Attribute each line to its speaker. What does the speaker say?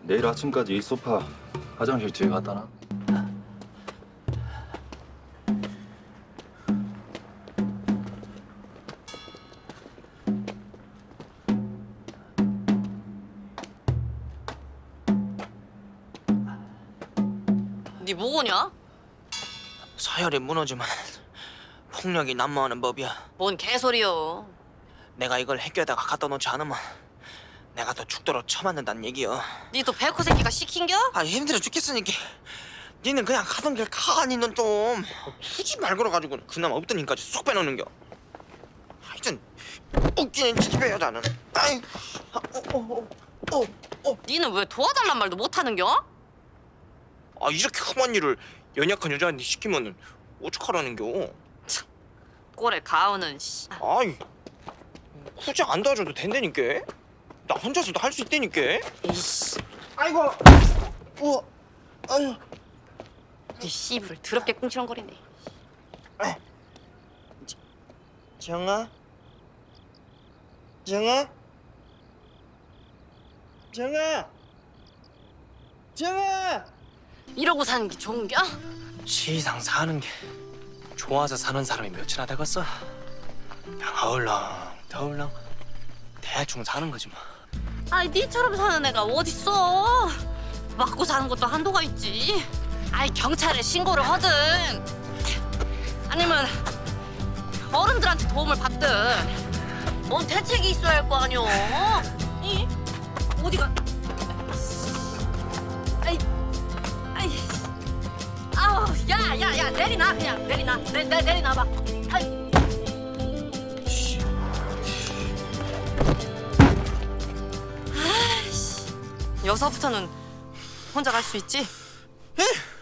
Speaker 1: 내일 아침까지 이 소파 화장실 뒤에 갖다 놔.
Speaker 2: 네 뭐고냐?
Speaker 3: 서열이 무너지면 폭력이 난무하는 법이야.
Speaker 2: 뭔 개소리여.
Speaker 3: 내가 이걸 학교에다가 갖다 놓지 않으면 내가 더 죽도록 처맞는다는 얘기여.
Speaker 2: 네 또 백호 새끼가 시킨겨?
Speaker 3: 아 힘들어 죽겠으니까 니는 그냥 가던 길 가. 니는 좀 굳이 말 걸어가지고 그나마 없던 힘까지 쏙 빼놓는겨. 하여튼 웃기는 집에 여자는 아이
Speaker 2: 니는 왜 도와달란 말도 못하는겨?
Speaker 3: 아 이렇게 험한 일을 연약한 여자한테 시키면은 어떡하라는겨.
Speaker 2: 꼴에 가오는 씨.
Speaker 3: 아이 굳이 안 도와줘도 된다니까. 나 혼자서도 할 수 있다니까.
Speaker 2: 이씨.
Speaker 3: 아이고 아유
Speaker 2: 이 씨부를 더럽게 꿍치렁거리네.
Speaker 3: 정아 정아 정아 정아
Speaker 2: 이러고 사는 게 좋은겨?
Speaker 3: 시상 사는 게 좋아서 사는 사람이 몇이나 되겠어. 그냥 어울렁 대충 사는 거지 뭐.
Speaker 2: 아이 니처럼 사는 애가 어딨어. 맞고 사는 것도 한도가 있지. 아이 경찰에 신고를 하든 아니면 어른들한테 도움을 받든 뭔 대책이 있어야 할 거 아니오. 이 어디가? 아이 아우 야야야 내리놔 그냥 내리놔 내리놔봐. 아이. 아이씨 여서부터는 혼자 갈 수 있지?
Speaker 3: 에?